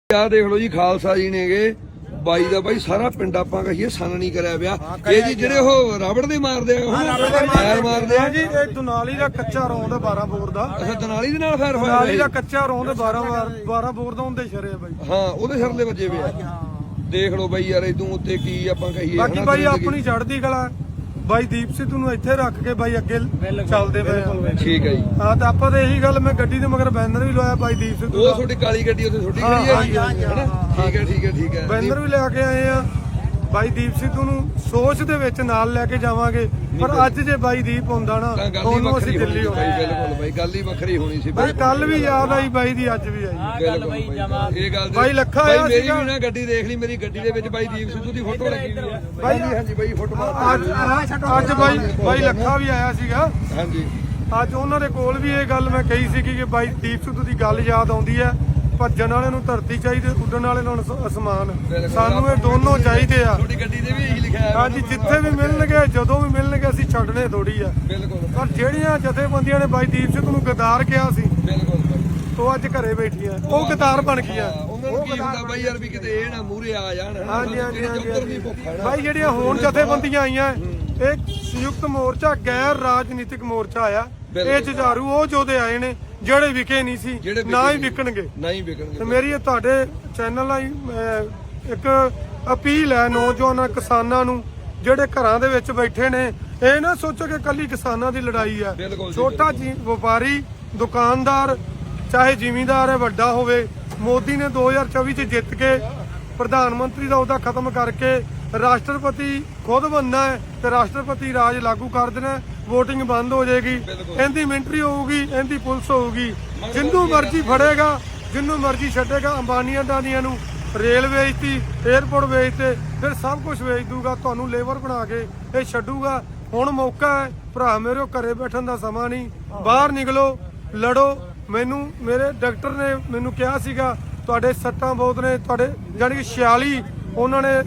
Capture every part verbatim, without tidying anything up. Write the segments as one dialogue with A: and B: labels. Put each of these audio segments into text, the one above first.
A: ਆ ਦੇਖ ਲਓ ਜੀ ਖਾਲਸਾ ਜੀ ਨੇਗੇ ਬਾਈ ਦਾ ਬਾਈ ਸਾਰਾ ਪਿੰਡ ਆਪਾਂ ਕਹੀਏ ਸੰਨ ਨਹੀਂ ਕਰਿਆ ਪਿਆ ਇਹ ਜੀ ਜਿਹੜੇ ਉਹ ਰਬੜ ਦੇ ਮਾਰਦੇ ਆ ਉਹ ਫਾਇਰ ਮਾਰਦੇ ਆ
B: ਜੀ ਇਹ ਦੁਨਾਲੀ ਦਾ ਕੱਚਾ ਰੌਂਦ ਬਾਰਾਂ ਬੋਰ ਦਾ।
A: ਅੱਛਾ ਦਨਾਲੀ ਦੇ ਨਾਲ ਫਾਇਰ ਹੋਇਆ
B: ਦੁਨਾਲੀ ਦਾ ਕੱਚਾ ਰੌਂਦ ਬਾਰਾਂ ਬਾਰਾਂ ਬੋਰ ਦਾ ਹੁੰਦੇ ਸ਼ਰੇ ਬਾਈ।
A: ਹਾਂ ਉਹਦੇ ਸਿਰ ਦੇ ਵੱਜੇ ਪਿਆ ਦੇਖ ਲਓ ਬਾਈ ਯਾਰ ਇਦੋਂ ਉੱਤੇ ਕੀ ਆਪਾਂ ਕਹੀਏ।
B: ਬਾਕੀ ਬਾਈ ਆਪਣੀ ਚੜ੍ਹਦੀ ਕਲਾ ਬਾਈ ਦੀਪ ਸਿੱਧੂ ਨੂੰ ਇੱਥੇ ਰੱਖ ਕੇ ਬਾਈ ਅੱਗੇ ਚੱਲਦੇ ਪਏ ਆ।
A: ਠੀਕ ਹੈ ਜੀ
B: ਹਾਂ ਤੇ ਆਪਾਂ ਤਾਂ ਇਹੀ ਗੱਲ ਮੈਂ ਗੱਡੀ ਦੇ ਮਗਰ ਬੈਨਰ ਵੀ ਲਵਾਇਆ ਬਾਈ ਦੀਪ ਸਿੱਧੂ
A: ਉਹ ਤੁਹਾਡੀ ਕਾਲੀ ਗੱਡੀ ਉੱਥੇ ਛੋਟੀ ਖੜੀ ਹੈ ਠੀਕ ਹੈ ਠੀਕ ਹੈ ਠੀਕ ਹੈ
B: ਬੈਨਰ ਵੀ ਲੈ ਕੇ ਆਏ ਆ ਬਾਈ ਦੀਪ ਸਿੱਧੂ ਨੂੰ ਸੋਚ ਦੇ ਵਿੱਚ ਨਾਲ ਲੈ ਕੇ ਜਾਵਾਂਗੇ ਪਰ ਅੱਜ ਜੇ ਬਾਈ ਦੀਪ ਹੁੰਦਾ ਨਾ ਉਹਨੂੰ ਅਸੀਂ ਦਿੱਲੀ ਹੋ
A: ਬਾਈ ਬਿਲਕੁਲ ਬਾਈ ਗੱਲ ਹੀ ਵੱਖਰੀ ਹੋਣੀ ਸੀ
B: ਬਾਈ ਕੱਲ ਵੀ ਯਾਦ ਆਈ ਬਾਈ ਦੀ ਅੱਜ ਵੀ ਆਈ
A: ਇਹ ਗੱਲ
B: ਬਾਈ ਲੱਖਾ ਆਇਆ
A: ਮੇਰੀ ਵੀ ਨਾ ਗੱਡੀ ਦੇਖ ਲਈ ਮੇਰੀ ਗੱਡੀ ਦੇ ਵਿੱਚ ਬਾਈ ਦੀਪ ਸਿੱਧੂ ਦੀ ਫੋਟੋ ਲੱਗੀ ਹੋਈ ਹੈ ਬਾਈ ਹਾਂਜੀ ਬਾਈ ਫੋਟੋ
B: ਅੱਜ ਬਾਈ ਬਾਈ ਲੱਖਾ ਵੀ ਆਇਆ ਸੀਗਾ
A: ਹਾਂਜੀ
B: ਅੱਜ ਉਹਨਾਂ ਦੇ ਕੋਲ ਵੀ ਇਹ ਗੱਲ ਮੈਂ ਕਹੀ ਸੀ ਕਿ ਬਾਈ ਦੀਪ ਸਿੱਧੂ ਦੀ ਗੱਲ ਯਾਦ ਆਉਂਦੀ ਹੈ ਭੱਜਣ ਵਾਲੇ ਨੂੰ ਧਰਤੀ ਚਾਹੀਦੀ ਉੱਡਣ ਵਾਲੇ ਨੂੰ ਅਸਮਾਨ ਸਾਨੂੰ ਇਹ ਦੋਨੋਂ ਚਾਹੀਦੇ ਆ।
A: ਤੁਹਾਡੀ ਗੱਡੀ ਤੇ ਵੀ ਇਹੀ ਲਿਖਿਆ ਹੈ
B: ਹਾਂਜੀ ਜਿੱਥੇ ਵੀ ਮਿਲਣਗੇ ਜਦੋਂ ਵੀ ਮਿਲਣਗੇ ਅਸੀਂ ਛੱਡਣੇ ਥੋੜੀ ਆ
A: ਬਿਲਕੁਲ
B: ਪਰ ਜਿਹੜੀਆਂ ਜਥੇਬੰਦੀਆਂ ਨੇ ਬਾਈ ਦੀਪ ਸਿੱਧੂ ਨੂੰ ਗਦਾਰ ਕਿਹਾ ਸੀ
A: ਬਿਲਕੁਲ
B: ਉਹ ਅੱਜ ਘਰੇ ਬੈਠੀਆਂ ਉਹ ਗਦਾਰ ਬਣ ਗਈਆਂ।
A: ਉਹਨਾਂ ਨੂੰ ਕੀ ਹੁੰਦਾ ਬਾਈ ਯਾਰ ਵੀ ਕਿਤੇ ਇਹ ਨਾ ਮੂਹਰੇ ਆ ਜਾਣ
B: ਹਾਂਜੀ ਹਾਂਜੀ ਹਾਂਜੀ ਬਾਈ ਜਿਹੜੀਆਂ ਹੁਣ ਜਥੇਬੰਦੀਆਂ ਆਈਆਂ ਇਹ ਸੰਯੁਕਤ ਮੋਰਚਾ ਗੈਰ ਰਾਜਨੀਤਿਕ ਮੋਰਚਾ ਆਇਆ ਇਹ ਜੁਝਾਰੂ ਉਹ ਜੋਧੇ ਆਏ ਨੇ ਜਿਹੜੇ ਵਿਕੇ ਨਹੀਂ ਸੀ ਨਾ ਹੀ ਵਿਕਣਗੇ
A: ਨਾ ਹੀ ਵਿਕਣਗੇ
B: ਤੇ ਮੇਰੀ ਇਹ ਤੁਹਾਡੇ ਚੈਨਲ ਲਈ ਇੱਕ ਅਪੀਲ ਹੈ ਨੌਜਵਾਨਾਂ ਕਿਸਾਨਾਂ ਨੂੰ ਜਿਹੜੇ ਘਰਾਂ ਦੇ ਵਿੱਚ ਬੈਠੇ ਨੇ ਇਹ ਨਾ ਸੋਚੋ ਕਿ ਕੱਲੀ ਕਿਸਾਨਾਂ ਦੀ ਲੜਾਈ ਹੈ। ਛੋਟਾ ਜੀ ਵਪਾਰੀ ਦੁਕਾਨਦਾਰ ਚਾਹੇ ਜ਼ਿਮੀਂਦਾਰ ਹੈ ਵੱਡਾ ਹੋਵੇ ਮੋਦੀ ਨੇ ਦੋ ਹਜ਼ਾਰ ਚੌਵੀ ਚ ਜਿੱਤ ਕੇ ਪ੍ਰਧਾਨ ਮੰਤਰੀ ਦਾ ਅਹੁਦਾ ਖਤਮ ਕਰਕੇ ਰਾਸ਼ਟਰਪਤੀ ਖੁਦ ਬਣਨਾ ਹੈ ਤੇ ਰਾਸ਼ਟਰਪਤੀ ਰਾਜ ਲਾਗੂ ਕਰ ਦੇਣਾ ਵੋਟਿੰਗ ਬੰਦ ਹੋ ਜਾਏਗੀ ਇਹਦੀ ਮਿਲਟਰੀ ਹੋਊਗੀ ਇਹਦੀ ਪੁਲਿਸ ਹੋਊਗੀ ਜਿੰਨੂੰ ਮਰਜ਼ੀ ਫੜੇਗਾ ਜਿੰਨੂੰ ਮਰਜ਼ੀ ਛੱਡੇਗਾ ਅੰਬਾਨੀਆਂ ਦਾਨੀਆਂ ਨੂੰ ਰੇਲ ਵੇਚਤੀ 에ਅਰਪੋਰਟ ਵੇਚਤੇ ਫਿਰ ਸਭ ਕੁਝ ਵੇਚ ਦੂਗਾ ਤੁਹਾਨੂੰ ਲੇਬਰ ਬਣਾ ਕੇ ਇਹ ਛੱਡੂਗਾ। ਹੁਣ ਮੌਕਾ ਹੈ ਭਰਾ ਮੇਰੇ ਘਰੇ ਬੈਠਣ ਦਾ ਸਮਾਂ ਨਹੀਂ ਬਾਹਰ ਨਿਕਲੋ ਲੜੋ। ਮੈਨੂੰ ਮੇਰੇ ਡਾਕਟਰ ਨੇ ਮੈਨੂੰ ਕਿਹਾ ਸੀਗਾ ਤੁਹਾਡੇ ਸੱਟਾਂ ਬਹੁਤ ਨੇ ਤੁਹਾਡੇ ਜਾਨੀ ਕਿ ਛਿਆਲੀ ਉਹਨਾਂ ਨੇ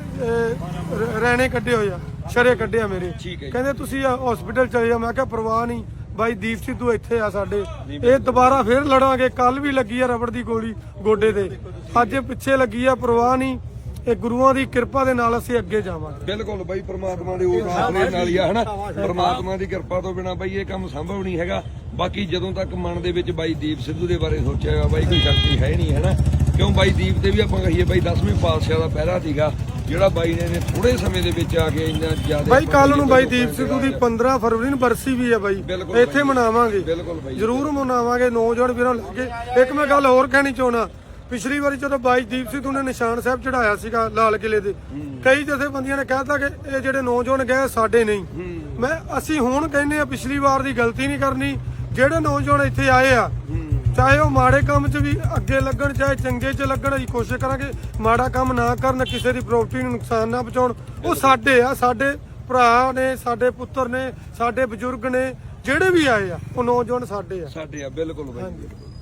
B: ਰਹਿਣੇ ਕੱਢੇ ਹੋਏ ਆ ਸ਼ਰੇ ਕੱਢਿਆ ਮੇਰੇ ਕਹਿੰਦੇ ਤੁਸੀਂ ਹਸਪੀਟਲ ਚਲੇ ਜਾ। ਮੈਂ ਕਿਹਾ ਪਰਵਾਹ ਨਹੀਂ ਬਾਈ ਦੀਪ ਸਿੱਧੂ ਇੱਥੇ ਆ ਸਾਡੇ ਇਹ ਦੁਬਾਰਾ ਫੇਰ ਲੜਾਂਗੇ। ਕੱਲ ਵੀ ਲੱਗੀ ਆ ਰਬੜ ਦੀ ਗੋਲੀ ਗੋਡੇ ਤੇ ਅੱਜ ਪਿੱਛੇ ਲੱਗੀ ਆ ਪਰਵਾਹ ਨਹੀਂ ਇਹ ਗੁਰੂਆਂ ਦੀ ਕਿਰਪਾ ਦੇ ਨਾਲ ਅਸੀਂ ਅੱਗੇ ਜਾਵਾਂਗੇ।
A: ਬਿਲਕੁਲ ਬਾਈ ਪ੍ਰਮਾਤਮਾ ਦੇ ਉਹ ਨਾਲ ਹੀ ਆ ਹਨਾ ਪ੍ਰਮਾਤਮਾ ਦੀ ਕਿਰਪਾ ਤੋਂ ਬਿਨਾ ਬਾਈ ਇਹ ਕੰਮ ਸੰਭਵ ਨਹੀਂ ਹੈਗਾ। ਬਾਕੀ ਜਦੋਂ ਤੱਕ ਮਨ ਦੇ ਵਿੱਚ ਬਾਈ ਦੀਪ ਸਿੱਧੂ ਦੇ ਬਾਰੇ ਸੋਚਿਆ ਬਾਈ ਕੋਈ ਸ਼ਕਤੀ ਹੈ ਨਹੀਂ ਹਨਾ ਕਿਉਂ ਬਾਈ ਦੀਪ ਤੇ ਵੀ ਆਪਾਂ ਕਹੀਏ ਬਾਈ ਦਸਵੇਂ ਪਾਤਸ਼ਾਹ ਦਾ ਪਹਿਰਾ ਸੀਗਾ ਜਿਹੜਾ ਬਾਈ ਨੇ ਥੋੜੇ ਸਮੇਂ ਦੇ ਵਿੱਚ ਆ ਕੇ ਇੰਨਾ ਜ਼ਿਆਦਾ
B: ਬਾਈ ਕੱਲ ਨੂੰ ਬਾਈ ਦੀਪ ਸਿੱਧੂ ਦੀ ਪੰਦਰਾਂ ਫਰਵਰੀ ਨੂੰ ਬਰਸੀ ਵੀ ਹੈ ਬਾਈ ਇੱਥੇ ਮਨਾਵਾਂਗੇ ਜ਼ਰੂਰ ਮਨਾਵਾਂਗੇ ਨੌਜਵਾਨ ਵੀਰਾਂ ਲੈ ਕੇ। ਇੱਕ ਮੈਂ ਗੱਲ ਹੋਰ ਕਹਿਣੀ ਚਾਹੁੰਦਾ ਪਿਛਲੀ ਵਾਰੀ ਜਦੋਂ ਬਾਈ ਦੀਪ ਸਿੱਧੂ ਨੇ ਨਿਸ਼ਾਨ ਸਾਹਿਬ ਚੜਾਇਆ ਸੀਗਾ ਲਾਲ ਕਿਲੇ ਦੇ ਕਈ ਜਥੇਬੰਦੀਆਂ ਨੇ ਕਹਿਤਾ ਕਿ ਇਹ ਜਿਹੜੇ ਨੌਜਵਾਨ ਗਏ ਸਾਡੇ ਨਹੀਂ ਮੈਂ ਅਸੀਂ ਹੁਣ ਕਹਿੰਦੇ ਆ ਪਿਛਲੀ ਵਾਰ ਦੀ ਗਲਤੀ ਨਹੀਂ ਕਰਨੀ। ਜਿਹੜੇ ਨੌਜਵਾਨ ਇੱਥੇ ਆਏ ਆ ਚਾਹੇ ਉਹ ਮਾੜੇ ਕੰਮ 'ਚ ਵੀ ਅੱਗੇ ਲੱਗਣ ਚਾਹੇ ਚੰਗੇ 'ਚ ਲੱਗਣ ਅਸੀਂ ਕੋਸ਼ਿਸ਼ ਕਰਾਂਗੇ ਮਾੜਾ ਕੰਮ ਨਾ ਕਰਨ ਕਿਸੇ ਦੀ ਪ੍ਰਾਪਰਟੀ ਨੂੰ ਨੁਕਸਾਨ ਨਾ ਪਹੁੰਚਾਉਣ। ਉਹ ਸਾਡੇ ਆ ਸਾਡੇ ਭਰਾ ਨੇ ਸਾਡੇ ਪੁੱਤਰ ਨੇ ਸਾਡੇ ਬਜ਼ੁਰਗ ਨੇ ਜਿਹੜੇ ਵੀ ਆਏ ਆ ਉਹ ਨੌਜਵਾਨ ਸਾਡੇ ਆ
A: ਸਾਡੇ ਆ ਬਿਲਕੁਲ ਬਾਈ।